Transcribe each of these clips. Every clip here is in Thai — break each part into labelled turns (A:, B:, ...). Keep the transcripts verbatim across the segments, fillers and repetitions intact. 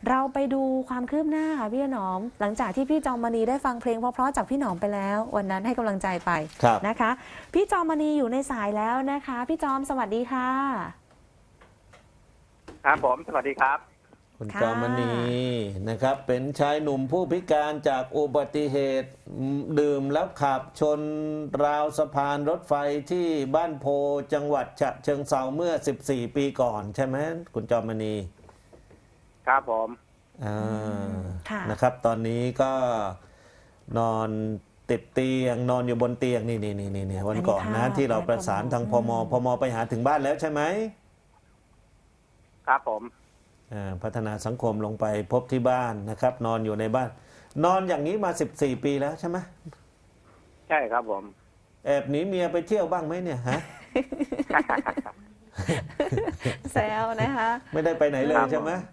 A: เราไปดูความคืบหน้าค่ะพี่หนอมหลังจากที่พี่จอมมณีได้ฟังเพลงเพราะๆจากพี่หนอมไปแล้ววันนั้นให้กำลังใจไปนะคะพี่จอมมณีอยู่ในสายแล้วนะคะพี่จอมสวัสดีค่ะ
B: ครับผมสวัสดีครับ
C: คุณจอมณีนะครับเป็นชายหนุ่มผู้พิการจากอุบัติเหตุดื่มแล้วขับชนราวสะพานรถไฟที่บ้านโพจังหวัดฉะเชิงเทราเมื่อสิบสี่ปีก่อนใช่ไหมคุณจอมมณี
B: ครับผม
C: อ่านะครับตอนนี้ก็นอนติดเตียงนอนอยู่บนเตียงนี่นี่นี่นี่วันก่อนนะที่เราประสานทางพมพมไปหาถึงบ้านแล้วใช่ไหม
B: ครับผม
C: พัฒนาสังคมลงไปพบที่บ้านนะครับนอนอยู่ในบ้านนอนอย่างนี้มาสิบสี่ปีแล้วใช่ไหม
B: ใช่ครับผม
C: แอบหนีเมียไปเที่ยวบ้างไหมเนี่ยฮะ
A: แซวนะคะ
C: ไม่ได้ไปไหนเลยใช่ไหม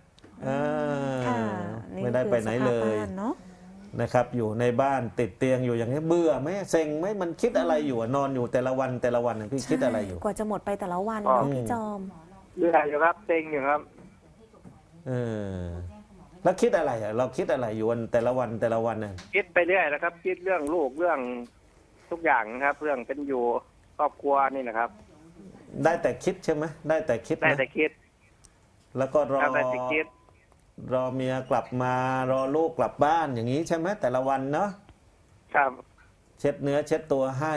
C: ไม่ได้ไปไหนเลยนะครับอยู่ในบ้านติดเตียงอยู่อย่างนี้เบื่อไหมเซ็งไหมมันคิดอะไรอยู่นอนอยู่แต่ละวันแต่ละวันพี่คิดอะไรอยู่
A: กว่าจะหมดไปแต่ละวันพี่จอม
B: เบื่ออยู่ครับเซ็งอยู่ครับ
C: เออแล้วคิดอะไรอ่ะเราคิดอะไรอยู่วันแต่ละวันแต่ละวันน่ะ
B: คิดไปเรื่อยนะครับคิดเรื่องลูกเรื่องทุกอย่างครับเรื่องเป็นอยู่ครอบครัวนี่นะครับ
C: ได้แต่คิดใช่ไหมได้แต่คิด
B: ได้แต่คิด
C: แล้วก็รอ
B: ได้แต่คิด
C: รอเมียกลับมารอลูกกลับบ้านอย่างนี้ใช่ไหมแต่ละวันเนาะ
B: ครับ
C: เช็ดเนื้อเช็ดตัวให้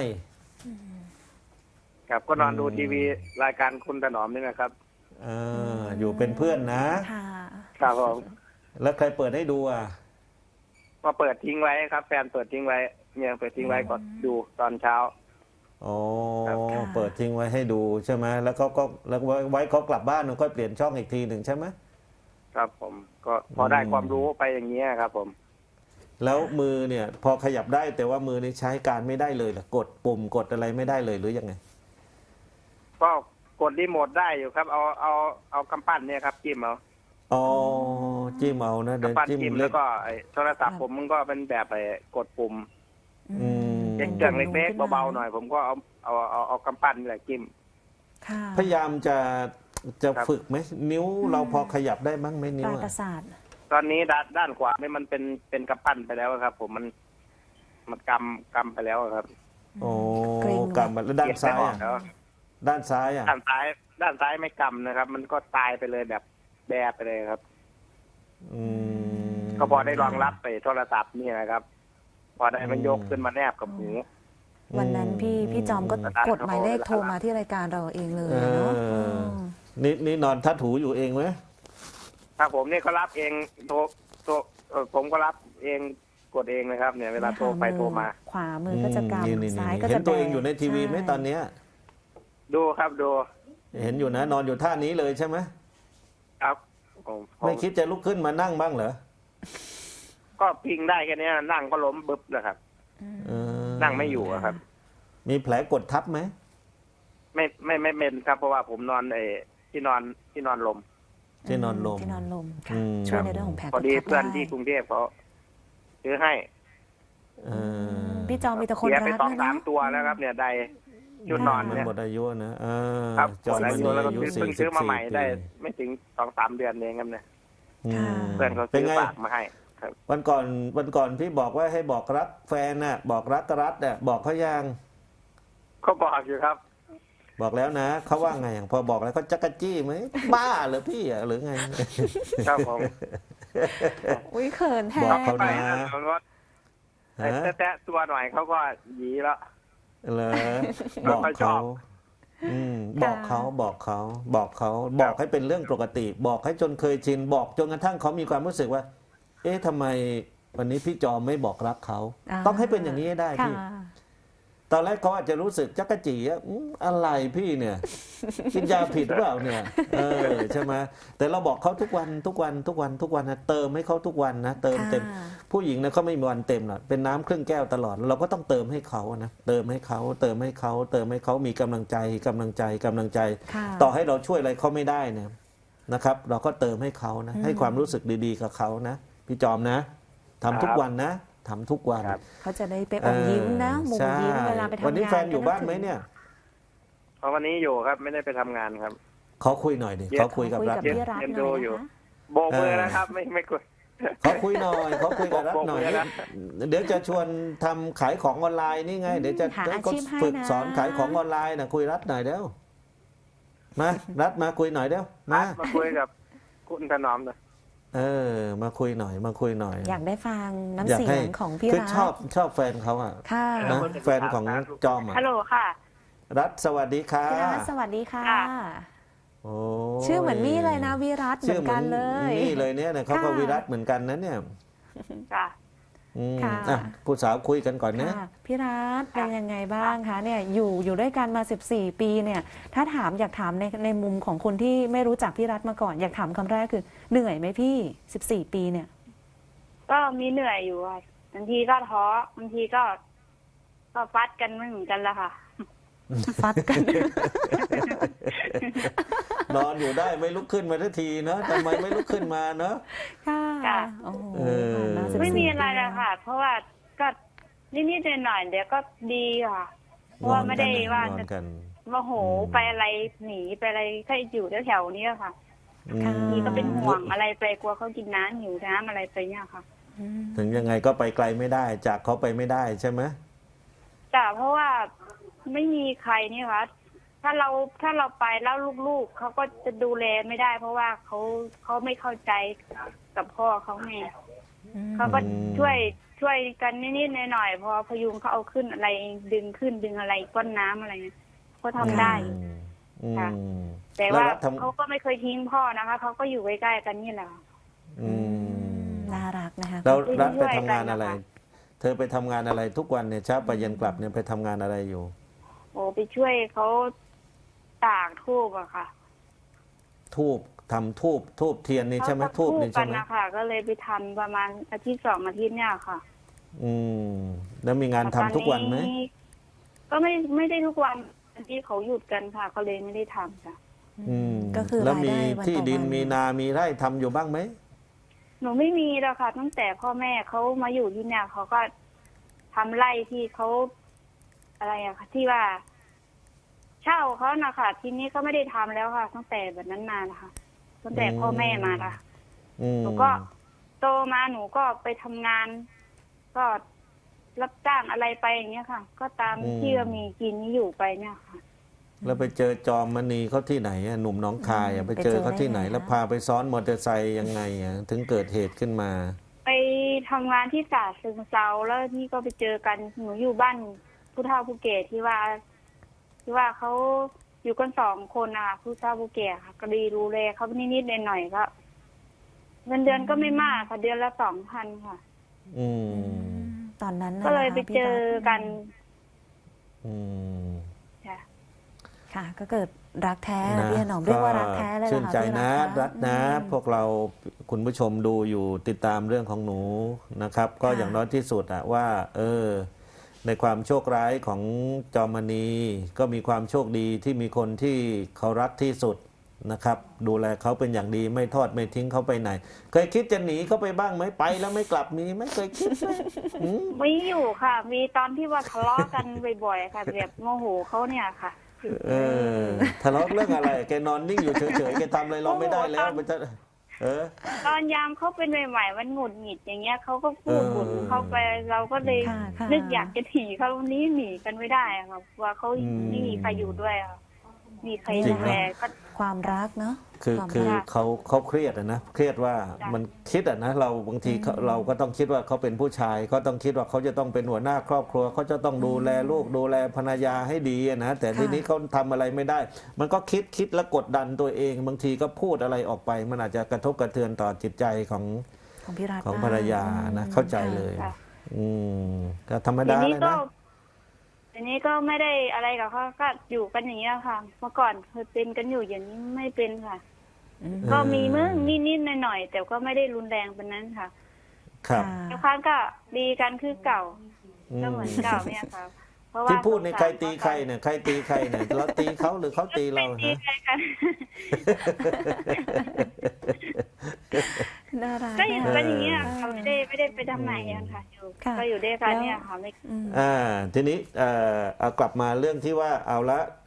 B: ครับก็นอนดูทีวีรายการคุณถนอมนี่นะครับ
C: อ่าอยู่เป็นเพื่อนนะ
B: ครับผม
C: แล้วใครเปิดให้ดูอ่ะ
B: ก็เปิดทิ้งไว้ครับแฟนเปิดทิ้งไว้เนี่ยเปิดทิ้งไว้ก็ดูตอนเช้า
C: อ๋อเปิดทิ้งไว้ให้ดูใช่ไหมแล้วเขาก็แล้วไว้เขากลับบ้านก็เปลี่ยนช่องอีกทีหนึ่งใช่ไหม
B: ครับผมก็พอได้ความรู้ไปอย่างเงี้ยครับผม
C: แล้วมือเนี่ยพอขยับได้แต่ว่ามือนี่ใช้การไม่ได้เลยหรอกดปุ่มกดอะไรไม่ได้เลยหรือยังไง
B: ก็กดรีโมทได้อยู่ครับเอาเอาเอากำปั้นเนี่ยครับจิ้มเอา
C: อ๋อจิ้มเอานะ
B: เดินจิ้มแล้วก็ไอ้โทรศัพท์ผมมันก็เป็นแบบไอ้กดปุ่มเครื่องเล็กๆเบาๆหน่อยผมก็เอาเอาเอาเอากำปั้นนี่แหละจิ้ม
C: พยายามจะจะฝึกไหมนิ้วเราพอขยับได้บ้างไหมนิ้ว
A: ประสาท
B: ตอนนี้ด้านด้านขวานี่มันเป็นเป็นกำปั้นไปแล้วครับผมมันมันกำกำไปแล้วครับ
C: โอ้กำแล้วด้านซ้ายอ่ะด้านซ้ายอ่ะ
B: ด้านซ้ายด้านซ้ายไม่กำนะครับมันก็ตายไปเลยแบบแบไปเลยครับ
C: อืม
B: ก็พอได้รองรับไปโทรศัพท์นี่นะครับพอได้มันยกขึ้นมาแนบกับหู
A: วันนั้นพี่พี่จอมก็กดหมายเลขโทรมาที่รายการเราเองเลยเนาะ
C: นี่นี่นอนทัดหูอยู่เองไหม
B: ครับผมนี่ก็รับเองโทรโทรผมก็รับเองกดเองนะครับเนี่ยเวลาโทรไปโทรมา
A: ขวามือก็จะกำซ้ายก็จะ
C: เห็นตัวเองอยู่ในทีวีไหมตอนเนี้ย
B: ดูครับดู
C: เห็นอยู่นะนอนอยู่ท่านี้เลยใช่ไหม
B: ครับ
C: ไม่คิดจะลุกขึ้นมานั่งบ้างเหรอ
B: ก็พิงได้แค่นี้นั่งก็ล้มบึ๊บเลยครับนั่งไม่อยู่ครับ
C: มีแผลกดทับไหม
B: ไม่ไม่ไม่เป็นครับเพราะว่าผมนอนไอ้ที่นอนที่นอนลม
C: ที่นอนลม
A: ที่นอนลมช่วยในเรื่องของแผล
B: พอดีเพื่อนที่กรุงเทพเขาซื้อให้
A: พี่จอมมีแต่คนรักนะ
B: เสียไปสองสามตัวแล้วครับเนี่ยใดชุดนอนเนี่ย
C: หมดอายุนะครับ
B: จอมอายุแล้วก็เพิ่งซื้อมาใหม่ได้ไม่ถึงสองสามเดือนเองครับเนี่ยเพื่อนเขาซื้อฝากมาให้
C: วันก่อนวันก่อนพี่บอกว่าให้บอกรักแฟนน่ะบอกรักรัฐน่ะบอกเขายัง
B: เขาบอกอยู่ครับ
C: บอกแล้วนะเขาว่าไงอย่างพอบอกแล้วเขาจักรจี้ไหมบ้าเหรอพี่หรือไง
B: ครับผม
A: อุ้ยเขินแทน
C: บอกเขานะ
B: แต่แตะตัวหน่อยเขาก็หยีแล้ว
C: เหรอบอกเขาบอกเขาบอกเขาบอกเขาบอกให้เป็นเรื่องปกติบอกให้จนเคยชินบอกจนกระทั่งเขามีความรู้สึกว่าเอ๊ะทำไมวันนี้พี่จอมไม่บอกรักเขาต้องให้เป็นอย่างนี้ให้ได้พี่ตอนแรกเขาอาจจะรู้สึกจักรจีอ่ะอะไรพี่เนี่ยกินยาผิดหรือเปล่าเนี่ยเออใช่ไหมแต่เราบอกเขาทุกวันทุกวันทุกวันทุกวันนะเติมให้เขาทุกวันนะเติมเต็มผู้หญิงนะเขาไม่มีวันเต็มหรอกเป็นน้ำครึ่งแก้วตลอดเราก็ต้องเติมให้เขานะเติมให้เขาเติมให้เขาเติมให้เขามีกำลังใจกำลังใจกำลังใจต่อให้เราช่วยอะไรเขาไม่ได้นะนะครับเราก็เติมให้เขานะให้ความรู้สึกดีๆกับเขานะพี่จอมนะทำทุกวันนะทำทุกวัน
A: เขาจะได้ไปอมยิ้มนะมุมยิ้มเวลาไปทำงาน
C: วันนี้แฟนอยู่บ้านไหมเนี่ย
B: เพราะวันนี้อยู่ครับไม่ได้ไปทำงานครับ
C: เขาคุยหน่อยดิเขาคุยกับรัฐ
B: เอ็นดูอยู่โบกมือนะครับ ไม่ไม่คุย
C: เขาคุยหน่อยเขาคุยกับรัฐหน่อย
B: บอกเลยนะ
C: เดี๋ยวจะชวนทำขายของออนไลน์นี่ไง เดี๋ยวจะ
A: หา
C: ได้
A: อา
C: ก็
A: ชีพให้
C: ฝึก
A: นะ
C: สอนขายของออนไลน์นะคุยรัฐหน่อยเดี๋ยวมารัฐมาคุยหน่อยเดี๋ยวมา
B: มาคุยกับคุณถนอมหน่อย
C: เออ มาคุยหน่อย มาคุยหน่อย
A: อยากได้ฟัง
C: อยา
A: น้ำ
C: ก
A: เสีย
C: ให้
A: งของพี่
C: คือ
A: รัฐ
C: ชอบชอบแฟนเขาอ่ะ
A: ค่ะ
C: นะแฟนของจอมอ่ะ
D: ฮัลโหลค่ะ
C: รัฐสวัสดีค่ะ
A: พี่รัฐสวัสดีค่ะ
D: ค่ะ
C: โอ้
A: ชื่อเหมือนมี่เลยนะวิรัตเหมือนกันเลย
C: นี่เลยเนี่ยนะเขาก็
A: ค่ะ
C: วิรัตเหมือนกันนะเนี่ย
D: จ้ะ
C: อืม
A: ค่ะ
C: อ่ะผู้สาวคุยกันก่อนนะ
A: ค่ะพี่รัฐเป็นยังไงบ้างคะเนี่ยอยู่อยู่ด้วยกันมาสิบสี่ปีเนี่ย ถ้าถามอยากถามในในมุมของคนที่ไม่รู้จักพี่รัฐมาก่อน อยากถามคำแรกคือเหนื่อยไหมพี่สิบสี่ปีเนี่ย
D: ก็มีเหนื่อยอยู่ค่ะบางทีก็ท้อบางทีก็ ก็ฟัดกันไม่เหมือนกันละค่ะ
A: ฟัดกัน
C: นอนอยู่ได้ไม่ลุกขึ้นมาทันทีเนอะทำไมไม่ลุกขึ้นมาเนอะ
A: ค่ะ
D: ค่ะ
A: โอ้โห
C: เออ
A: ผ่านมาสิบสี่
D: ไม่มีอะไร
A: ปี
D: ละค่ะ เพราะว่าก็นิดๆหน่อยๆเดี๋ยวก็ดีค่ะ เพราะว่าไม่ได้ว่าน
C: อน
D: จะ
C: กัน
D: โมโหไปอะไรหนีไปอะไรแค่อยู่แถวๆนี้ค่ะ
C: อืม
D: นี่ก็เป็นห่วงอะไรไปกลัวเขากินน้ำหิวน้ำอะไรไปเนี่ยค่ะ
A: อืม
C: ถึงยังไงก็ไปไกลไม่ได้ จากเขาไปไม่ได้ใช่ไหม
D: แต่เพราะว่าไม่มีใครนี่ค่ะถ้าเราถ้าเราไปแล้วลูกๆเขาก็จะดูแลไม่ได้ เพราะว่าเขาเขาไม่เข้าใจกับพ่อเขาไง
A: อืม
D: เขาก็ช่วยช่วยกันนิดๆหน่อยๆพอพยุงเขาเอาขึ้นอะไรดึงขึ้นดึงอะไรก้นน้ำอะไรเนี่ยเขาทำได้
C: อืมอืม
D: ค่ะ แต่ว่า
C: ล้รัฐทำ
D: เขาก็ไม่เคยทิ้งพ่อนะคะเขาก็อยู่ใกล้ๆกันนี่แหละ
C: อืม
A: น่ารักนะคะ
C: แล้ว
D: ที่
C: รัฐไป
D: ช่วย
C: ทำงาน
D: กันนะคะ
C: อะไร เธอไปทำงานอะไรทุกวันเนี่ยเช้าไปเย็นกลับเนี่ยไปทำงานอะไรอยู่
D: โอ้ไปช่วยเขาตากทูบอะค่ะ
C: ทูบทำทูบทูบเทียนนี่ใช่ไหม
D: เขาก็
C: ทูบนี่
D: กั
C: ใช่ไหม
D: นะคะก็เลยไปทำประมาณอาทิตย์สองอาทิตย์เนี่ยค่ะ
C: อืมแล้วมีงานทำทุกวันไหม
D: ตอก็ไม่ไม่ได้ทุกวันที่เขาหยุดกันค่ะ ก็เลยไม่ได้ทำค่ะ
C: อืม
A: ก็คือ
C: แล้ว
A: ราย
C: มี
A: ได้วัน
C: ที่
A: ต่อ
C: ดิน
A: วัน
C: มีนามีไร่ทำอยู่บ้างไหม
D: หนูไม่มีแล้วค่ะตั้งแต่พ่อแม่เขามาอยู่ที่เนี่ยเขาก็ทำไร่ที่เขาอะไรอะค่ะที่ว่า เช่าเขานะคะทีนี้ก็ไม่ได้ทำแล้วค่ะ ตั้งแต่แบบนั้นมานะคะตั้งแต่พ่อแม่มาละ
C: อืม
D: หนูก็โตมาหนูก็ไปทำงาน ก็รับจ้างอะไรไปอย่างเงี้ยค่ะ ก็ตามที่ว่ามีกินนี้อยู่ไปเนี่ยค่ะ
C: แล้วไปเจอจอมมณีเขาที่ไหนอะหนุ่มหน้องคายอะไปเจอเขาที่ไหน แล้วพาไปซ้อนมอเตอร์ไซค์ยังไงอะถึงเกิดเหตุขึ้นมา
D: ไปทำงานที่ศาสตร์ซึงเซาแล้วนี่ก็ไปเจอกันหนูอยู่บ้านผู้เฒ่าผู้แก่ที่ว่า ที่ว่าเขาอยู่กันสองคนนะคะผู้เฒ่าผู้แก่ค่ะ ก็ดีดูแลเขานิดๆหน่อยๆก็เงินเดือนก็ไม่มากค่ะเดือนละสองพันค่ะ
C: อืม
A: ตอนนั้นน่ะ
D: ก็เลย
A: นะคะ
D: ไปเจอกัน
C: อืม
D: ค่ะ
A: ค่ะ ก็เกิดรักแท้
C: นะ
A: พี่ถนอมเรียกว่ารักแท้เลยเหรอ
C: ชื่น
A: คะ
C: ใจ
A: พี่
C: นะ
A: คะ
C: รัฐนะ
A: อืม
C: พวกเราคุณผู้ชมดูอยู่ติดตามเรื่องของหนูนะครับ ก็
A: ค่ะ
C: อย่างน้อยที่สุดอะว่า เออ ในความโชคร้ายของจอมณี ก็มีความโชคดีที่มีคนที่เขารักที่สุดนะครับ ดูแลเขาเป็นอย่างดีไม่ทอดไม่ทิ้งเขาไปไหน เคยคิดจะหนีเขาไปบ้างไหมไปแล้วไม่กลับมีไหมเคยคิดไหมอืม
D: ไม่อยู่ค่ะ มีตอนที่ว่าทะเลาะกันบ่อยๆค่ะแบบโมโหเขาเนี่ยค่ะ
C: เออทะเลาะเรื่องอะไร แกนอนนิ่งอยู่เฉยๆแกทำอะไรเราไม่ได้แล้วมันจะเออ
D: ตอนยามเขาเป็นใหม่ๆมันหงุดหงิดอย่างเงี้ยเขาก็พูด
C: เออ
D: บ่นเขาไปเราก็เลย
A: ค่ะค่ะ
D: นึกอยากจะหนีเขานี้หนีกันไม่ได้อะค่ะว่าเขา
C: อืม
D: ไม่มีใครอยู่ด้วยอะมีใคร
C: จริ
D: ดู
C: งนะ
D: แลก็
A: ความรักเนาะ
C: คือ
A: ความ
C: คือ
A: รัก
C: เขาเขาเครียดอะนะเครียดว่า
D: จ้ะ
C: มันคิดอะนะเราบางทีเขาเราก็ต้องคิดว่าเขาเป็นผู้ชายเขาต้องคิดว่าเขาจะต้องเป็นหัวหน้าครอบครัวเขาจะต้องดูแลลูกดูแลภรรยาให้ดีอะนะแต่
A: ค่ะ
C: ทีนี้เขาทำอะไรไม่ได้ มันก็คิดคิดแล้วกดดันตัวเอง บางทีก็พูดอะไรออกไป มันอาจจะกระทบกระเทือนต่อจิตใจของ
A: ของพี่รัฐ
C: ของ
A: ได้
C: ภรรยานะ
A: อืม
C: เข้าใจ
A: ค่ะ
C: เลย
D: ค่ะ
C: อืมก็ธรรม
D: ที
C: ดา
D: นี้
C: เลย
D: ก็
C: นะ
D: ทีนี้ก็ไม่ได้อะไรกับเขาก็อยู่กันอย่างเงี้ยค่ะ เมื่อก่อนเคยเป็นกันอยู่อย่างนี้ไม่เป็นค่ะ
A: อืม
D: ก็มีมึงนิดๆหน่อยๆแต่ก็ไม่ได้รุนแรงเป็นนั้นค่ะ
C: ครับ
D: ทุกครั้งก็ดีกันคือเก่า
C: อืม
D: ก็เหมือนเก่าเนี่ยค่ะ เพราะว่า
C: ที่พูดใน
D: สงสาร
C: ใครตีใครเนี่ยใครตีใครเนี่ยเราตีเขาหรือเขาตีเรา
D: ไม่ตี
C: ฮะ
D: ใครกัน
A: น่ารัก
D: ก็อยู่
A: ะคะ
D: กันอย่างเงี้ยค่ะไม่ได้ไม่ได้ไปทำไหนกันค่ะอยู่
A: ค่ะ
D: ก็อยู่ด้วยกันเนี่ยค่ะไม่
A: อืม
C: อ่าทีนี้เอ่อเอากลับมาเรื่องที่ว่าเอาละ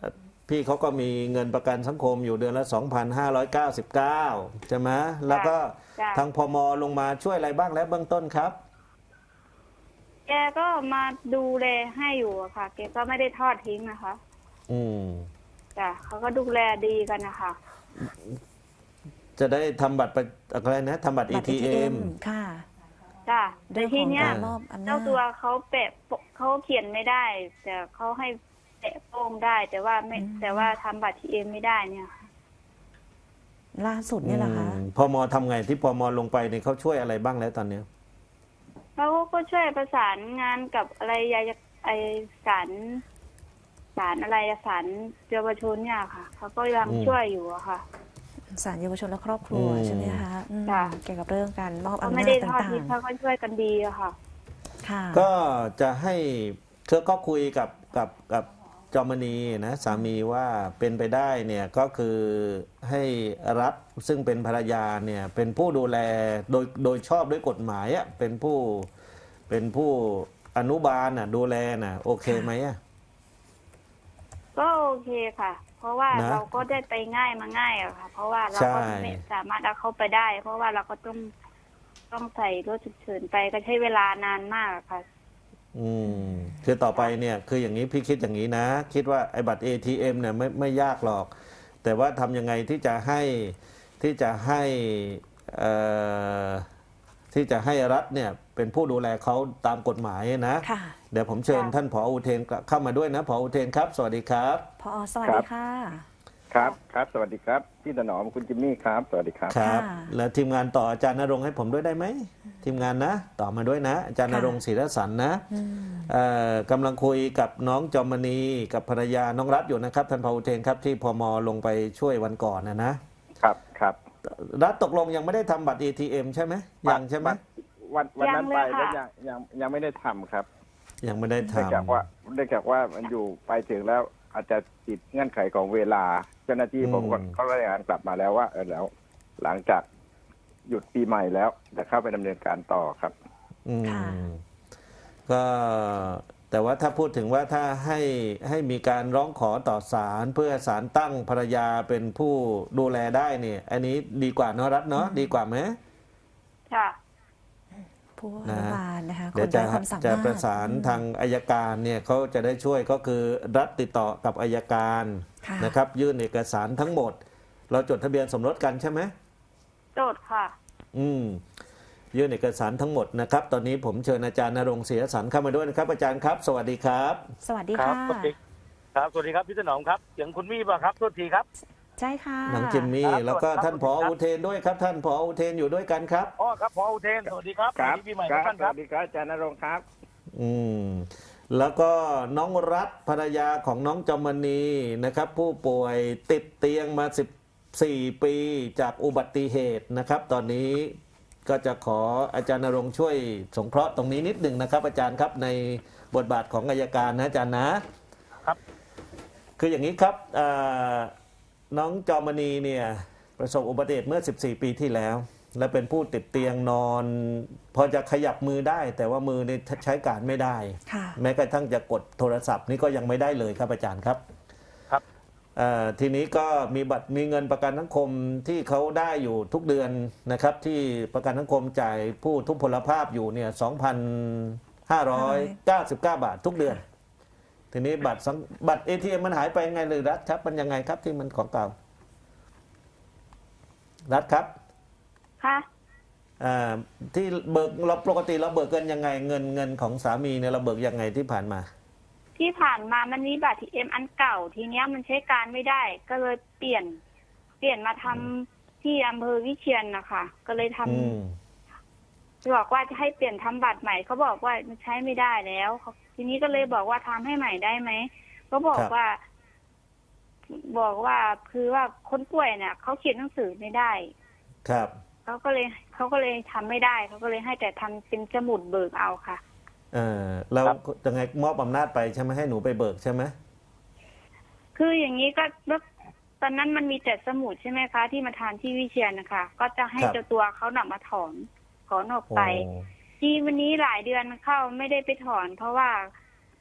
C: พี่เขาก็มีเงินประกันสังคมอยู่เดือนละ สองพันห้าร้อยเก้าสิบเก้า ใช่ไหมแล้วก็
D: จ้ะ
C: ทางพมลงมาช่วยอะไรบ้างแล้วเบื้องต้นครับ
D: แกก็มาดูแลให้อยู่อะค่ะแกก็ไม่ได้ทอดทิ้งนะคะ
C: อืม
D: จ้ะเขาก็ดูแลดีกันนะคะ
C: จะได้ทำบัตรประอะไรนะทำบัตร
A: บัตร
C: เอ ที เอ็ม
A: ค่ะ
D: จ้ะแต่
A: เรื่อง
D: ที
A: ของ
D: เนี้ย
A: การมอบอำนา
D: เจ้า
A: จ
D: ตัวเขาแปะโปะเขาเขียนไม่ได้ แต่เขาให้แปะโป้งได้ แต่ว่าไม่แต่ว่าทำบัตรทีเอ็มไม่ได้เนี่ยค่ะ
A: ล่าสุดเนี่ยเหรอคะ
C: อืมพมทำไงที่พมลงไปเนี่ยเขาช่วยอะไรบ้างแล้วตอนเนี้ย
D: เขาก็ช่วยประสานงานกับอะไรยายไอสารสารอะไรอะสารเยาวชนเนี่ยค่ะเขาก็ยังช่วยอยู่อะค่ะ
A: ศาลเยาวชนและครอบครัวใช่ไหมคะอืม
D: จ้ะ
A: เกี่ยวกับเรื่องการมอบ
D: เขา
A: อำ
D: ไม่
A: นา
D: ได้
A: จ
D: ทอด
A: ต่าง
D: ทิ้งเขาก็ช่วยกันดีอะค่ะ
A: ๆค่ะ
C: ก็จะให้เธอก็คุยกับกับกับจอมณีนะสามีว่าเป็นไปได้เนี่ยก็คือให้รัฐซึ่งเป็นภรรยาเนี่ยเป็นผู้ดูแลโดยโดยชอบด้วยกฎหมายอ่ะเป็นผู้เป็นผู้อนุบาลน่ะดูแลน่ะโอเคไหมอ่ะ
D: ก็โอเคค่ะ เพราะว่า
C: นะ
D: เราก็ได้ไปง่ายมาง่ายอะค่ะ เพราะว่าเราก็
C: ใช่
D: ไม่สามารถเอาเขาไปได้ เพราะว่าเราก็ต้องต้องใส่รถฉุกเฉินไปก็ใช้เวลานานมากอะค่ะ
C: อืมคือต่อไปเนี่ยคืออย่างนี้พี่คิดอย่างนี้นะ คิดว่าไอ้บัตร เอ ที เอ็ม เนี่ยไม่ไม่ยากหรอก แต่ว่าทำยังไงที่จะให้ที่จะให้เอ่อที่จะให้รัฐเนี่ยเป็นผู้ดูแลเขาตามกฎหมายนะ
A: ค่ะ
C: เดี๋ยวผมเชิญ
D: ค่ะ
C: ท่านผออุเทนเข้ามาด้วยนะผออุเทนครับ สวัสดีครับ
A: พอสวัสดีค่ะ
B: ครับครับสวัสดีครับพี่ถนอมคุณจิมมี่ครับ สวัสดีครับ
C: ครับ
A: ค่ะ
C: แล้วทีมงานต่ออาจารย์ณรงค์ให้ผมด้วยได้ไหมทีมงานนะ ต่อมาด้วยนะ อาจารย์ณ
A: ค่ะ
C: รงค์ศรีรสันนะ
A: อืม
C: เอ่อกำลังคุยกับน้องจอมณีกับภรรยาน้องรัฐอยู่นะครับท่านพาอุเทนครับที่พมลงไปช่วยวันก่อนนะนะครับ
B: ครับ
C: รัฐตกลงยังไม่ได้ทำบัตร เอ ที เอ็ม ใช่ไหมยังใช่ไหม
B: วันวันนั้นไป
D: ยังเลย
B: แล้ว
D: ค่ะ
B: ยังยังยังไม่ได้ทำครับ
C: ยังไม่ได้
B: เนื่อง
C: ทำ
B: จากว่าเนื่องจากว่ามันอยู่ไปถึงแล้วอาจจะติดเงื่อนไขของเวลา เจ้าหน้าที่ผมก็เขารายงานกลับมาแล้วว่าเออแล้ว หลังจากหยุดปีใหม่แล้วจะเข้าไปดำเนินการต่อครับ
C: อืม
A: ค่ะ
C: ก็แต่ว่าถ้าพูดถึงว่าถ้าให้ให้มีการร้องขอต่อศาลเพื่อศาลตั้งภรรยาเป็นผู้ดูแลได้เนี่ยอันนี้ดีกว่าเนอะรัฐเนาะดีกว่าไหม
D: ค่ะ
A: ผู้อนุบาลนะคะค
C: เดี๋ยวน จะ
A: ไร้ความสามารถ
C: จะประสานทางอายการเนี่ยเขาจะได้ช่วยก็คือรัฐติดต่อกับอายการ
A: ค่ะ
C: นะครับ ยื่นเอกสารทั้งหมด เราจดทะเบียนสมรสกันใช่ไหม
D: โจทย์ค่ะ
C: อืมยื่นเอกสารทั้งหมดนะครับ ตอนนี้ผมเชิญอาจารย์ณรงค์ศรีรสันเข้ามาด้วยนะครับ อาจารย์ครับ สวัสดีครับ
A: สวัสดี
E: ครั
A: ค่ะ
E: บสวัสดีครับสวัสดีครับพี่ถนอมครับเสียงคุณมี่ป่ะครับโทษทีครับ
A: ใช่ค่ะ
C: น้องจิมมี่
E: ครับ
C: แล้วก็
E: สวัสดีครับ
C: ท่านผออุเทนด้วยครับ ท่านผออุเทนอยู่ด้วยกันครับ
E: อ๋อครับพออุเทนสวัสดีครับ
B: ครับ
E: สวัสดีปีใหม่
B: ค
E: ทุ
B: รั
E: กท่าน
B: ส
E: ครั
B: วั
E: บ
B: สดีครับอาจารย์ณรงค์ครับ
C: อืมแล้วก็น้องรัฐภรรยาของน้องจอมณีนะครับ ผู้ป่วยติดเตียงมาสิบสี่ปีจากอุบัติเหตุนะครับ ตอนนี้ก็จะขออาจารย์ณรงค์ช่วยสงเคราะห์ตรงนี้นิดหนึ่งนะครับ อาจารย์ครับในบทบาทของอัยการนะอาจารย์นะครับ คืออย่างนี้ครับอ่าน้องจอมณีเนี่ยประสบอุบัติเหตุเมื่อสิบสี่ปีที่แล้ว และเป็นผู้ติดเตียงนอน พอจะขยับมือได้ แต่ว่ามือนี่ใช้การไม่ได้
A: ค่ะ
C: แม้กระทั่งจะกดโทรศัพท์นี่ก็ยังไม่ได้เลยครับอาจารย์ครับ
E: ครับ
C: เอ่อทีนี้ก็มีบัตรมีเงินประกันสังคมที่เขาได้อยู่ทุกเดือนนะครับ ที่ประกันสังคมจ่ายผู้ทุพพลภาพอยู่เนี่ยสองพันห้าร้อยเก้าสิบเก้าบาททุกเดือน ทีนี้บัตรสังบัตรเอทีเอ็มมันหายไปไงเลยรัฐครับมันยังไงครับที่มันของเก่ารัฐครับ
D: ค่ะ
C: อ่าที่เบิกเราปกติเราเบิกกันยังไงเงินเงินของสามีเนี่ยเราเบิกยังไงที่ผ่านมา
D: ที่ผ่านมามันมีบัตรทีเอ็มอันเก่า ทีเนี้ยมันใช้การไม่ได้ ก็เลยเปลี่ยน เปลี่ยนมาทำที่อำเภอวิเชียรนะคะก็เลยทำ
C: อืม
D: บอกว่าจะให้เปลี่ยนทำบัตรใหม่เขาบอกว่ามันใช้ไม่ได้แล้วเขาทีนี้ก็เลยบอกว่าทำให้ใหม่ได้ไหมเขาบอกว่า บอกว่าคือว่าคนป่วยเนี่ยเขาเขียนหนังสือไม่ได้
C: ครับ
D: เขาก็เลยเขาก็เลยทำไม่ได้เขาก็เลยให้แต่ทำเป็นสมุดเบิกเอาค่ะ
C: เออเรายังไงมอบอำนาจไปใช่ไหมให้หนูไปเบิกใช่ไหม
D: คืออย่างนี้ก็แล้วตอนนั้นมันมีแต่สมุดใช่ไหมคะ ที่มาทานที่วิเชียรนะคะ ก็จะให้เจ้าตัวเขานำมาถอนถอนออกไป
C: โอ้
D: ที่วันนี้หลายเดือนเข้าไม่ได้ไปถอน เพราะว่า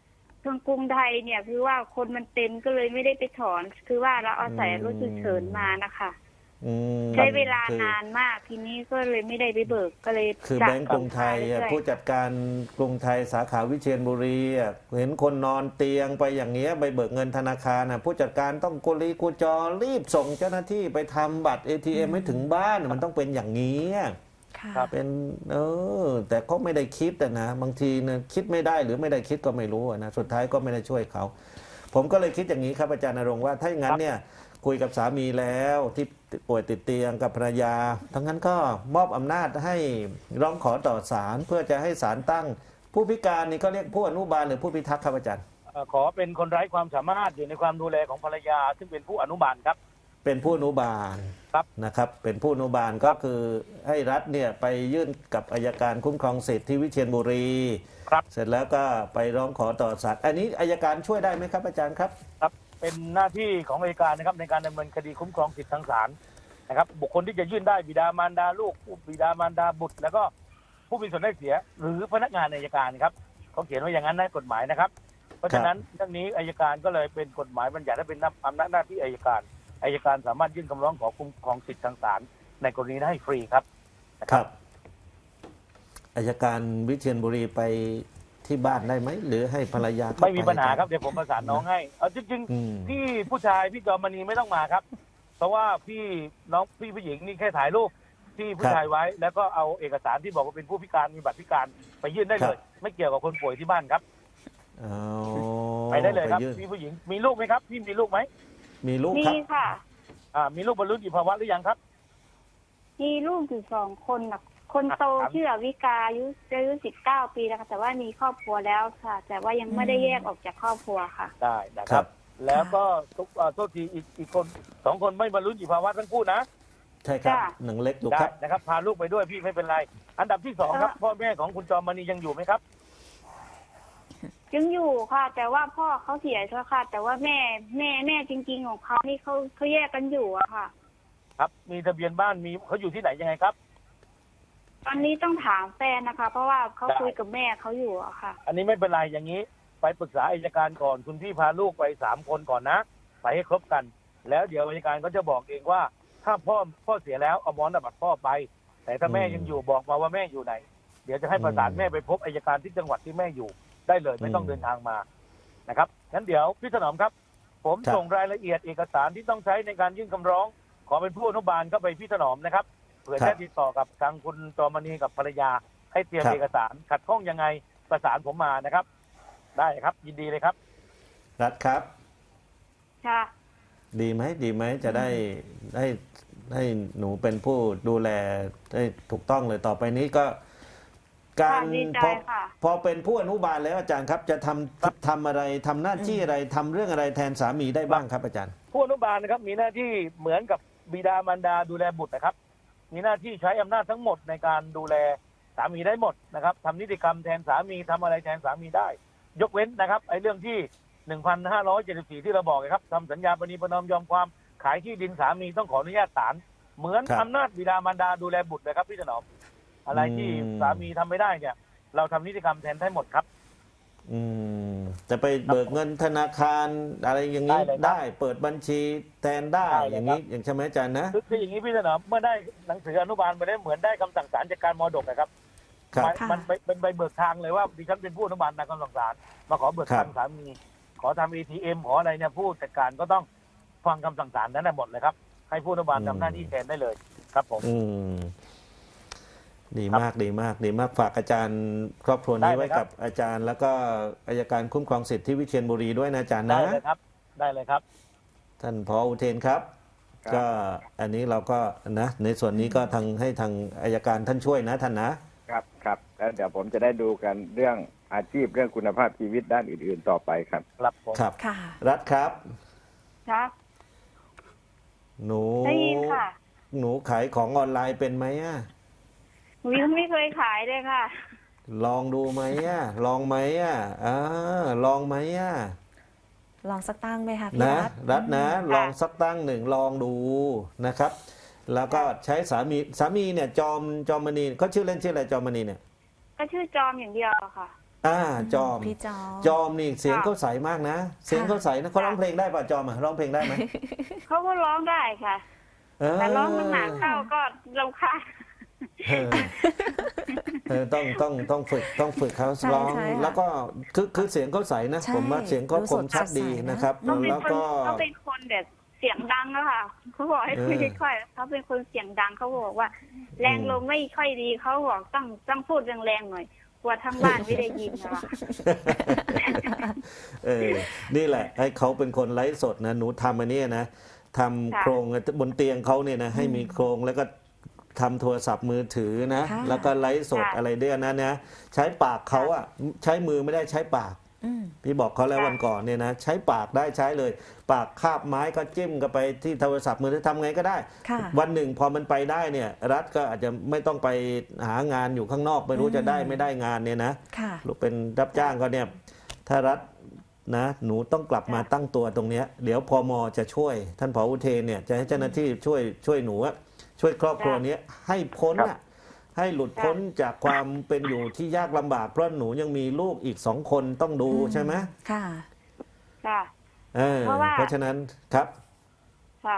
D: ทางกรุงไทยเนี่ยคือว่าคนมันเต็มก็เลยไม่ได้ไปถอน คือว่าเราอาศัยรถฉุกเฉินมานะคะ
C: อืม
D: ใช้เวลา
C: คือน
D: านมากทีนี้ก็เลยไม่ได้ไปเบิกก็เลย
C: คือ
D: จะ
C: แบงก์กรุงไทยอ่ะ
D: เรื่อ
C: ผู้จัดการกรุงไทยสาขาวิเชียรบุรีอ่ะเห็นคนนอนเตียงไปอย่างเงี้ยไปเบิกเงินธนาคารอ่ะผู้จัดการต้องกุลีกุจอรีบส่งเจ้าหน้าที่ไปทำบัตร เอ ที เอ็ม ให้ถึงบ้านมันต้องเป็นอย่างนี้
A: ค่ะ
E: ครับ
C: เป็นเออแต่ก็ไม่ได้คิดอะนะบางทีนะคิดไม่ได้หรือไม่ได้คิดก็ไม่รู้อะนะสุดท้ายก็ไม่ได้ช่วยเขาผมก็เลยคิดอย่างนี้ครับอาจารย์ณรงค์ว่าถ้าอย่างนั้นเนี่ยคุยกับสามีแล้วที่ป่วยติดเตียงกับภรรยาทั้งนั้นก็มอบอำนาจให้ร้องขอต่อศาลเพื่อจะให้ศาลตั้งผู้พิการนี่ก็เรียกผู้อนุบาลหรือผู้พิทักษ์ครับอาจารย์
E: เอ่อขอเป็นคนไร้ความสามารถอยู่ในความดูแลของภรรยา ซึ่งเป็นผู้อนุบาลครับ
C: เป็นผู้อนุบาล
E: ครับ
C: นะครับเป็นผู้อนุบาลก็คือให้รัฐเนี่ยไปยื่นกับอัยการคุ้มครองสิทธิ์ที่วิเชียรบุรี
E: ครับ
C: เสร็จแล้วก็ไปร้องขอต่อศาลอันนี้อัยการช่วยได้ไหมครับอาจารย์ครับ
E: ครับเป็นหน้าที่ของอัยการนะครับในการดำเนินคดีคุ้มครองสิทธิทางศาลนะครับบุคคลที่จะยื่นได้บิดามารดาลูกผู้บิดามารดาบุตร แล้วก็ผู้มีส่วนได้เสีย หรือพนักงานอัยการครับเขาเขียนไว้อย่างนั้นในกฎหมายนะครับ เพราะฉะนั้นเรื่องนี้อัยการก็เลยเป็นกฎหมายบัญญัติให้เป็นอำนาจหน้าที่อัยการอัยการสามารถยื่นคำร้องขอคุ้มครองสิทธิทางศาลในกรณีนั้นให้ฟรีครับนะ
C: ครับอัยการวิเชียรบุรีไปที่บ้านได้ไหมหรือให้ภรรยาเข้า
E: ไม่มีปัญหา
C: ไป
E: ครับเดี๋ยวผมประสานน้องให้เอาจริง
C: อืม
E: ๆพี่ผู้ชายพี่จอมณีไม่ต้องมาครับ เพราะว่าพี่น้องพี่ผู้หญิงนี่แค่ถ่ายรูปที่ผู้ชายไว้ แล้วก็เอาเอกสารที่บอกว่าเป็นผู้พิการมีบัตรพิการไปยื่นได้เลย ไม่เกี่ยวกับคนป่วยที่บ้านครับ
C: เอา
E: ไปได้เลยครับ
C: ยื่น
E: พี่ผู้หญิงมีลูกไหมครับพี่มีลูกไหม
C: มีลูก
D: มี
C: ครับ
D: ค่ะ
E: อ่ามีลูกบรรลุนิติภาวะหรือยังครับ
D: มีลูกอยู่สองคนนะคนโต
E: ครับ
D: ชื่ออวิกาอายุอายุสิบเก้าปีแล้วค่ะแต่ว่ามีครอบครัวแล้วค่ะ แต่ว่ายังไม่ได้แยกออกจากครอบครัวค่ะ
E: ได้นะค
C: ครั
E: รับ
C: บ
E: แล้วก็ทุกอ่าโทษทีอีกอีกคนสองคนไม่บรรลุนิติภาวะทั้งคู่นะ
C: ใช่ครับ
D: จ้ะ
C: หนังเล็กอยู่
E: ได้
C: ครับ
E: นะครับพาลูกไปด้วยพี่ไม่เป็นไร อันดับที่สองครับ
D: ค่ะ
E: พ่อแม่ของคุณจอมณียังอยู่ไหมครับ
D: ยังอยู่ค่ะ แต่ว่าพ่อเขาเสียแล้วค่ะ แต่ว่าแม่แม่แม่จริง ๆ ของเขานี่เขาเขาแยกกันอยู่อะค่ะ
E: ครับมีทะเบียนบ้านมีเขาอยู่ที่ไหนยังไงครับ
D: ตอนนี้ต้องถามแฟนนะคะ เพราะว่าเขา
E: ได้
D: คุยกับแม่เขาอยู่อะค่ะ
E: อันนี้ไม่เป็นไรอย่างนี้ ไปปรึกษาอัยการก่อนคุณพี่พาลูกไปสามคนก่อนนะไปให้ครบกัน แล้วเดี๋ยวอัยการก็จะบอกเองว่า ถ้าพ่อพ่อเสียแล้วเอามรดกบัตรพ่อไป แต่ถ้าแม่
C: อืม
E: ยังอยู่บอกมาว่าแม่อยู่ไหน เดี๋ยวจะให้ประสาน
C: อืม
E: แม่ไปพบอัยการที่จังหวัดที่แม่อยู่ได้เลยไม่ต้อง
C: อืม
E: เดินทางมานะครับงั้นเดี๋ยวพี่ถนอมครับ ผม
C: ครับ
E: ส่งรายละเอียดเอกสารที่ต้องใช้ในการยื่นคำร้อง ขอเป็นผู้อนุบาลเข้าไปพี่ถนอมนะครับเผื่อ
C: ครั
E: จะ
C: บ
E: ติดต่อกับทางคุณจอมณีกับภรรยา ให้เตรียม
C: ครับ
E: เอกสารขัดข้องยังไงประสานผมมานะครับ ได้ครับยินดีเลยครับ
C: รัฐครับ
D: ค่ะ
C: ดีไหมดีไหมจะได้ให้ให้หนูเป็นผู้ดูแลได้ถูกต้องเลยต่อไปนี้ก็ การ
D: ค่ะดีใจ
C: พอ
D: ค่ะ
C: พอเป็นผู้อนุบาลแล้วอาจารย์ครับ จะทำทำอะไรทำหน้าที่อะไรทำเรื่องอะไรแทนสามีได้บ้างครับอาจารย์
E: ผู้อนุบาลนะครับมีหน้าที่เหมือนกับบิดามารดาดูแลบุตรนะครับ มีหน้าที่ใช้อำนาจทั้งหมดในการดูแลสามีได้หมดนะครับทำนิติกรรมแทนสามีทำอะไรแทนสามีได้ ยกเว้นนะครับไอ้เรื่องที่ หนึ่งพันห้าร้อยเจ็ดสิบสี่ ที่เราบอกนะครับทำสัญญาปณีประนอมยอมความขายที่ดินสามีต้องขออนุญาตศาลเหมือน
C: ครับ
E: อำนาจบิดามารดาดูแลบุตรนะครับพี่ถนอมอะไรที่
C: อืม
E: สามีทำไม่ได้เนี่ยเราทำนิติกรรมแทนได้หมดครับ
C: อืมจะไปเบิกเงินธนาคารอะไรอย่างนี้
E: ได้เลยครับ
C: ได้เปิดบัญชีแทนได้
E: ได้เลย
C: อย่างนี้อย่างใช่ไหมอาจารย์นะ
E: คือคืออย่างนี้พี่ถนอมเมื่อได้หนังสืออนุบาลไปได้เหมือนได้คำสั่งศาลจากการมรดกนะครับ
C: ครับ
E: มัน
A: ค่ะ
E: มันเป็นเป็นใบเบิกทางเลยว่าดิฉันเป็นผู้อนุบาลตามคำสั่งศาลมาขอเบิก
C: ครั
E: ทา
C: บ
E: งสามีขอทำเอทีเอ็มขออะไรเนี่ยผู้จัดการก็ต้องฟังคำสั่งศาลนั้นนะหมดเลยครับให้ผู้อนุบาลทำหน้าที่แทนได้เลยครับผม
C: อืมดี
E: ครับ
C: มากดีมากดีมากฝากอาจารย์ครอบครัวนี้
E: ได้เลย
C: ไว้
E: ครับ
C: กับอาจารย์ แล้วก็อัยการคุ้มครองสิทธิที่วิเชียรบุรีด้วยนะอาจารย์
E: ได้
C: นะ
E: เลยครับ ได้เลยครับ
C: ท่านผออุเทนครับ
B: ครับ
C: ก็อันนี้เราก็นะในส่วนนี้ก็ทางให้ทางอัยการท่านช่วยนะท่านนะครับ
B: ครับแล้วเดี๋ยวผมจะได้ดูกันเรื่องอาชีพเรื่องคุณภาพชีวิตด้านอื่น ๆ ต่อไปครับ
E: ครับผม
C: ครับ
A: ค่ะ
C: รัฐครับ
D: ค่ะ
C: หนู
D: ได้ยินค่ะ
C: หนูขายของออนไลน์เป็นไหมอะ
D: หนูยังไม่เคยขายเลยค่ะ
C: ลองดูไหมอะลองไหมอะอ่าลองไหมอะ
A: ลองสักตั้งไหมคะพี่
C: นะ
A: รัฐ
C: รัฐนะ
D: อืม
C: ลองสักตั้งหนึ่งลองดูนะครับ แล้วก็ใช้สามีสามีเนี่ยจอมจอมมณีเขาชื่อเล่นชื่ออะไรจอมมณีเนี่ย
D: ก็ชื่อจอมอย่างเดียวอะค่ะ
C: อ่าจอม
A: พี่จอม
C: จอมนี่เสียงเขาใสมากนะ เสียงเขาใสนะเขาร้องเพลงได้ป่ะจอมอ่ะร้องเพลงได้ไหม
D: เขาก็ร้องได้ค่ะ
C: เออ
D: แต่ร้องมันหนักเข้าก็รำคาญ
C: เออเออต้องต้องต้องฝึกต้องฝึกเขา
A: ใช่
C: ร้อง
A: ใช่ค่ะ
C: แล้วก็คือคือเสียงเขาใสนะ
A: ใช่
C: ผมว่าเสียงเขา
A: ดู
C: ค
A: ส
C: ม
A: ด
C: ชัด
A: สดใส
C: ดี
A: นะ
C: นะครับ
D: เขาเป็น
C: แล้ว
D: คน
C: ก็
D: เขาเป็นคนแบบเสียงดังอะค่ะเขาบอกให้คุย
C: เออ
D: ค่อยๆเขาเป็นคนเสียงดังเขาบอกว่า แรงลมไม่ค่อยดีเขาบอกต้องต้องพูดแรงๆหน่อยกลัวทั้งบ้านไม่ได้ยินนะคะ
C: เออนี่แหละให้เขาเป็นคนไลฟ์สดนะหนูทำอันเนี้ยนะทำ
D: ค่ะ
C: โครงบนเตียงเขาเนี่ยนะให้มีโครงแล้วก็ทำโทรศัพท์มือถือนะ
A: ค่ะ
C: แล้วก็ไลฟ์สด
D: ค่ะ
C: อะไรเด้วยนะนะใช้ปากเขาอะใช้มือไม่ได้ใช้ปาก
A: อืม
C: พี่บอกเขาแล้ว
D: ค่ะ
C: วันก่อนเนี่ยนะใช้ปากได้ใช้เลย ปากคาบไม้ก็จิ้มกันไปที่โทรศัพท์มือถือทำไงก็ได้
A: ค่ะ
C: วันหนึ่งพอมันไปได้เนี่ย รัฐก็อาจจะไม่ต้องไปหางานอยู่ข้างนอกไม่รู้
A: อืม
C: จะได้ไม่ได้งานเนี่ยนะ
A: ค่ะ
C: ลูกเป็นรับจ้างก็เนี่ยถ้ารัฐนะหนูต้องกลับมาตั้งตัวตรงเนี้ยเดี๋ยวพมจะช่วย ท่านผออุเทนเนี่ยจะให้เจ้าหน้าที่ช่วยช่วยหนูอะช่วยครอบครัวเนี้ยให้พ้น
B: ครั
C: อะ
B: บ
C: ให้หลุดพ้นจากความเป็นอยู่ที่ยากลำบากเพราะหนูยังมีลูกอีกสองคนต้องดูใช่ไหม
A: ค่ะ
D: ค่ะ
C: เออ
D: เพราะว่า
C: เพราะฉะนั้นครับ
D: ค่ะ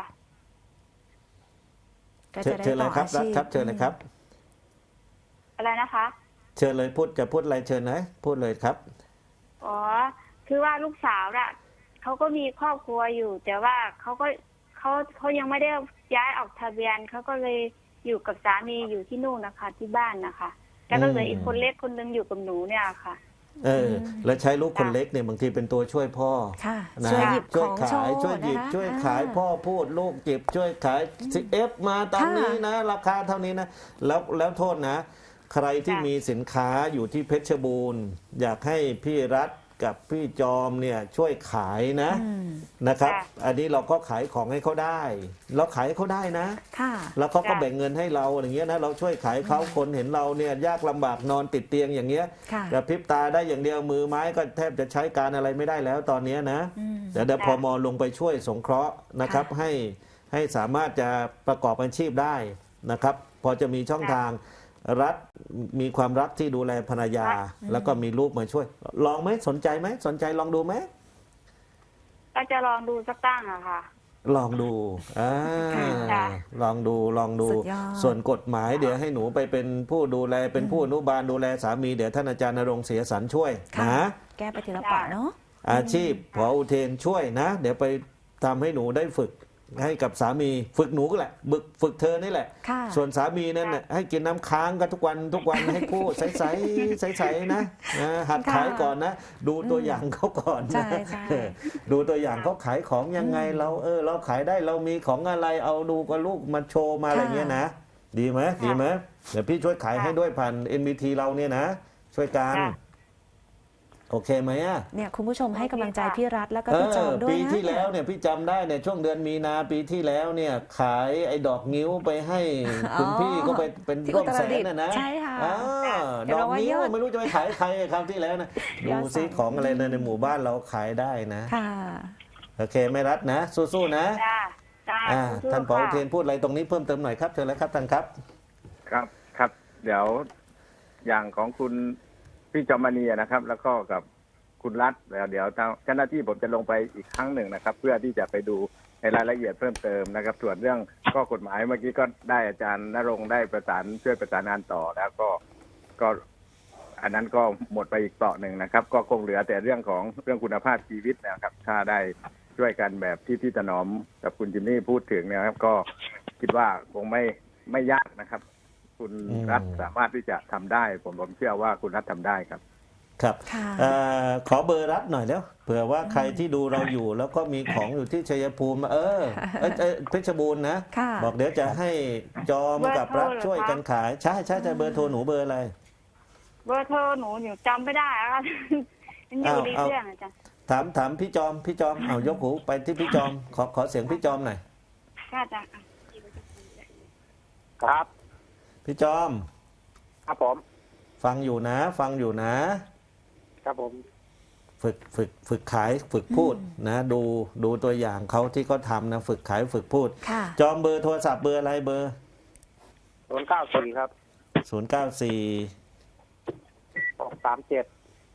A: ก็
C: เชิ
A: จะ
C: ญ
A: ได้
C: เชิญเล
A: ต่อย
C: ครับ
A: อา
C: รัฐ
A: ชีพ
C: ครับเชิญเลยครับ
D: อะไรนะคะ
C: เชิญเลยพูดจะพูดอะไรเชิญนะพูดเลยครับ
D: อ๋อ คือว่าลูกสาวน่ะเขาก็มีครอบครัวอยู่ แต่ว่าเขาก็เขาเขายังไม่ได้ย้ายออกทะเบียนเขาก็เลยอยู่กับสามีอยู่ที่นู่นนะคะ ที่บ้านนะคะแล้วก็เหลืออีกคนเล็กคนนึงอยู่กับหนูเนี่ยค่ะ
C: เออ แล้วใช้ลูกคนเล็กเนี่ยบางทีเป็นตัวช่วยพ่อ
A: ค่ะ
C: นะ
A: ช่วยหยิบข
C: ช่วย
A: อง
C: ขาย
A: โชว์
C: ช่วยหยิบ
A: นะคะ
C: ช่วยขาย
A: อ่
C: พ่อพูดลูกหยิบช่วยขายสิเอฟมาตาม
A: ค่ะ
C: นี้นะ ราคาเท่านี้นะ แล้วแล้วโทษนะ ใครที่
D: ค่ะ
C: มีสินค้าอยู่ที่เพชรบูรณ์ อยากให้พี่รัฐกับพี่จอมเนี่ยช่วยขายนะ
A: อืม
C: นะครับ
D: ค่ะ
C: อันนี้เราก็ขายของให้เขาได้ เราขายให้เขาได้นะ
A: ค่ะ
C: แล้วเขาก็
D: ค่ะ
C: แบ่งเงินให้เราอย่างเงี้ยนะเราช่วยขายเขาคนเห็นเราเนี่ยยากลำบากนอนติดเตียงอย่างเงี้ย
A: ค่ะ
C: กระพริบตาได้อย่างเดียวมือไม้ก็แทบจะใช้การอะไรไม่ได้แล้วตอนเนี้ยนะ
A: อืม
C: เดี๋ยวเดี๋ยวพมลงไปช่วยสงเคราะห์นะครับ
A: ค่ะ
C: ให้ให้สามารถจะประกอบอาชีพได้นะครับ พอจะมีช่องทางรัฐมีความรักที่ดูแลภรรยา แล้วก็มีลูกมาช่วย ลองไหมสนใจไหมสนใจลองดูไหม
D: ก็จะลองดูสักตั้งอะค่ะ
C: ลองดูอ่า
D: ค่ะ
C: ลองดูลองดู
A: สุดยอด
C: ส่วนกฎหมายเดี๋ยวให้หนูไปเป็นผู้ดูแลเป็นผู้อนุบาลดูแลสามีเดี๋ยวท่านอาจารย์ณรงค์เสียสรรช่วย
A: ค่ะ
C: นะ
A: แก้ไปทีละเปาะเนาะ
C: อาชีพผออุเทนช่วยนะ เดี๋ยวไปทำให้หนูได้ฝึกให้กับสามีฝึกหนูก็แหละฝึกฝึกเธอนี่แหละ
A: ค่ะ
C: ส่วนสามีนั่นน่ะให้กินน้ำค้างกันทุกวันทุกวันให้พูดใสๆใสๆนะนะหัดขายก่อนนะ ดูตัวอย่างเขาก่อน
A: ใช่
C: นะ
A: ใช่
C: เออดูตัวอย่างเขาขายของยังไงเราเออ เราขายได้เรามีของอะไรเอาดูกับลูกมาโชว์มาอะไรเงี้ยนะ ดีไหมดีไหมเดี๋ยวพี่ช่วยขายให้ด้วยผ่าน เอ็น บี ที เราเนี่ยนะ ช่วยกัน
D: ค่ะ
C: โอเคไหมอ่ะ
A: เนี่ยคุณผู้ชมให้กำลังใจพี่รัฐแล้วก็
C: เอ
A: พี่จอ
C: อ
A: มด้วย
C: ปี
A: นะ
C: ที่แล้วเนี่ยพี่จำได้เนี่ยช่วงเดือนมีนาปีที่แล้วเนี่ยขายไอ้ดอกงิ้วไปให้คุณพี่ก็ไปเป็น
A: ที่
C: ร่วม
A: อุต
C: แส
A: รดิ
C: น
A: ตถ์
C: น่ะนะ
A: ใช่ค่ะ
C: อ่า
A: เดี๋
C: ด
A: ยว
C: อก
A: เราว่า
C: นิ้วย
A: อด
C: ไม่รู้จะไปขายใครคราวที่แล้วนะ
A: ย
C: ดู
A: อด
C: ซิ
A: สั่ง
C: ของอะไรในในหมู่บ้านเราขายได้นะ
A: ค่ะ
C: โอเคไม่รัดนะ สู้ๆนะ
D: จ้าจ้า
C: อ่า
D: สู้ๆ
C: ท่านผอ
D: ค่ะ
C: เทนพูดอะไรตรงนี้เพิ่มเติมหน่อยครับเชิญเลยครับท่านครับ
B: ครับครับ เดี๋ยวอย่างของคุณพี่จอมณีนะครับ แล้วก็กับคุณรัฐแล้วเดี๋ยวทางเจ้าหน้าที่ผมจะลงไปอีกครั้งหนึ่งนะครับ เพื่อที่จะไปดูในรายละเอียดเพิ่มเติมนะครับ ส่วนเรื่องข้อกฎหมายเมื่อกี้ก็ได้อาจารย์ณรงค์ได้ประสานช่วยประสานงานต่อแล้วก็ก็อันนั้นก็หมดไปอีกเปราะหนึ่งนะครับ ก็คงเหลือแต่เรื่องของเรื่องคุณภาพชีวิตนะครับ ถ้าได้ช่วยกันแบบที่พี่ถนอมกับคุณจิมมี่พูดถึงเนะครับ ก็คิดว่าคงไม่ไม่ยากนะครับ คุณ
C: อืม
B: รัฐสามารถที่จะทำได้ ผมผมเชื่อว่าคุณรัฐทำได้ครับ
C: ครับ
A: ค่ะ
C: เอ่อขอเบอร์รัฐหน่อยแล้วเผื่อว่าใครที่ดูเราอยู่ แล้วก็มีของอยู่ที่ชัยภูมิเออเอ้ยเอ้ยเพชรบูรณ์นะ
A: ค่ะ
C: บอกเดี๋ยวจะให้จอมกับรัฐช่วยกันขายใช่ใช่ใช่เบอร์โทรหนูเบอร์อะไร
D: เบอร์โทรหนูหนูจำไม่ได้อะค่ะ มันอยู่ใน
C: เอา
D: เครื่องอาจารย์
C: ถามถามพี่จอมพี่จอมเอายกหูไปที่พี่จอมขอขอเสียงพี่จอมหน่อย
D: ค่ะอาจารย์
E: ครับ
C: พี่จอม
E: ครับผม
C: ฟังอยู่นะ ฟังอยู่นะ
E: ครับผม
C: ฝึกฝึกฝึกขายฝึกพูดนะ ดูดูตัวอย่างเขาที่เขาทำนะ ฝึกขายฝึกพูด
A: ค่ะ
C: จอมเบอร์โทรศัพท์เบอร์อะไรเบอร์
E: ศูนย์เก้าสี่ครับ
C: ศูนย์เก้าสี่
E: หกสามเจ็ด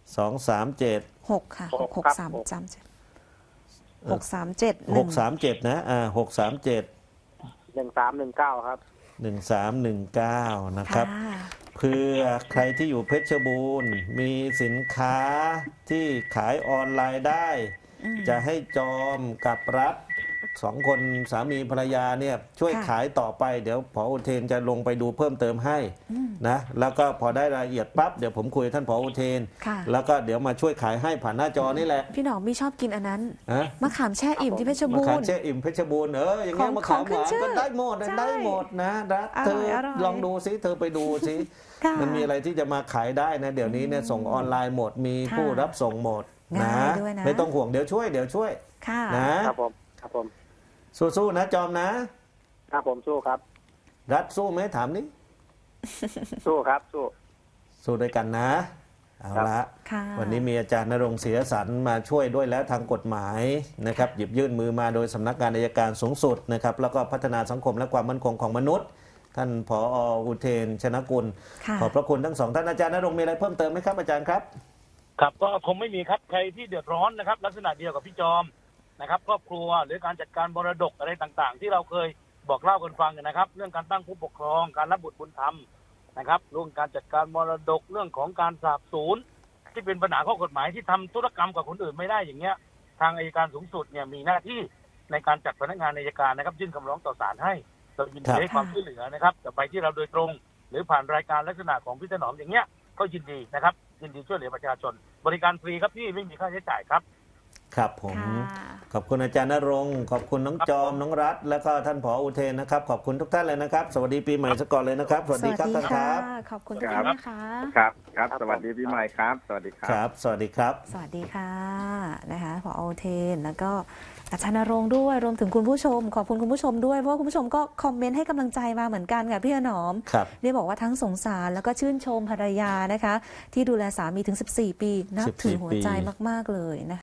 C: สองสามเจ็ด
A: หกค่ะ
E: ห
A: ห
E: ก
A: กหก
E: ครับ
A: สาม
E: หก
A: จำหกสามเจ็ดห
C: ห
A: นึ่ง
C: กสามเจ็ดนะอ่าหกสามเจ็ด
E: หนึ่งสามหนึ่งเก้าครับ
C: หนึ่งสามหนึ่งเก้านะครับ
A: ค่ะ
C: เพื่อใครที่อยู่เพชรบูรณ์มีสินค้าที่ขายออนไลน์ได้
A: อืม
C: จะให้จอมกับรัฐสองคนสามีภรรยาเนี่ยช่วย
A: ค่ะ
C: ขายต่อไปเดี๋ยวผออุเทนจะลงไปดูเพิ่มเติมให้
A: อืม
C: นะแล้วก็พอได้รายละเอียดปั๊บเดี๋ยวผมคุยกับท่านผออุเทน
A: ค่ะ
C: แล้วก็เดี๋ยวมาช่วยขายให้ผ่านหน้าจอนี่แหละ
A: พี่หนอมมีชอบกินอันนั้น
C: ฮะ
A: มะขามแช่อิ่มที่เพชร
C: มะ
A: บู
C: ขาม
A: รณ์
C: แช่อิ่มเพชรบูรณ์เอออย่างเงี้ย
A: ของ
C: มะขามหวาน
A: ของขึ้นชื่อ
C: ก็ได้หมด
A: ใช่
C: ได้หมดนะรัฐ
A: อร่อย
C: เธอ
A: อร่อย
C: ลองดูซิเธอไปดูซิ
A: ค่ะ
C: มันมีอะไรที่จะมาขายได้นะ เดี๋ยวนี้เนี่ยส่งออนไลน์หมดมี
A: ค่ะ
C: ผู้รับส่งหมดนะ
A: ง่ายด้วยนะ
C: ไม่ต้องห่วงเดี๋ยวช่วยเดี๋ยวช่วย
A: ค่ะ
C: นะครับ
E: ผมครับผม
C: สู้ๆนะจอมนะ
E: ครับผมสู้ครับ
C: รัฐสู้ไหมถามนี้
E: สู้ครับสู้
C: สู้ด้วยกันนะเอาละ
A: ค่ะ
C: วันนี้มีอาจารย์ณรงค์ศรีสันมาช่วยด้วยแล้วทางกฎหมายนะครับหยิบยื่นมือมาโดยสำนักงานอัยการสูงสุดนะครับแล้วก็พัฒนาสังคมและความมั่นคงของมนุษย์ ท่านผออุเทนชนกุล
A: ค่ะ
C: ขอบพระคุณทั้งสองท่านอาจารย์ณรงค์มีอะไรเพิ่มเติมไหมครับอาจารย์ครับ
E: ครับก็คงไม่มีครับใครที่เดือดร้อนนะครับ ลักษณะเดียวกับพี่จอมนะครับครอบครัวหรือการจัดการมรดกอะไรต่างๆ ที่เราเคยบอกเล่ากันฟังนะครับ เรื่องการตั้งผู้ปกครองการรับบุตรบุญธรรมนะครับเรื่องการจัดการมรดกเรื่องของการสาบสูญที่เป็นปัญหาข้อกฎหมายที่ทำธุรกรรมกับคนอื่นไม่ได้อย่างเงี้ยทางอัยการสูงสุดเนี่ยมีหน้าที่ในการจัดพนักงานอัยการนะครับยื่นคำร้องต่อศาลให้เรายินดีให้ความช่วยเหลือนะครับจะไปที่เราโดยตรง หรือผ่านรายการลักษณะของพี่ถนอมอย่างเงี้ยก็ยินดีนะครับยินดีช่วยเหลือประชาชน บริการฟรีครับพี่ไม่มีค่าใช้จ่ายครับ
C: ครับผม
A: ค่ะ
C: ขอบคุณอาจารย์ณรงค์ขอบคุณน้องจอมน้องรัฐแล้วก็ท่านผออุเทนนะครับขอบคุณทุกท่านเลยนะครับสวัสดีปีใหม่ซะก่อนเลยนะครับสวัสดีครับท่านครับ
A: ขอบคุณทุกท่านนะคะ
B: ครับครับ สวัสดีพี่ใหม่ครับ สวัสดีครั
C: ครับ บ สวัสดีครับ
A: สวัสดีค่ะนะคะผออุเทนแล้วก็อาจารย์ณรงค์ด้วยรวมถึงคุณผู้ชม ขอบคุณคุณผู้ชมด้วยเพราะว่าคุณผู้ชมก็คอมเมนต์ให้กำลังใจมาเหมือนกันค่ะพี่ถนอม
C: ครับ
A: ได้บอกว่าทั้งสงสารแล้วก็ชื่นชมภรรยานะคะ ที่ดูแลสามีถึงสิบสี่ปีนับถือหัวใจมากๆเลยนะคะ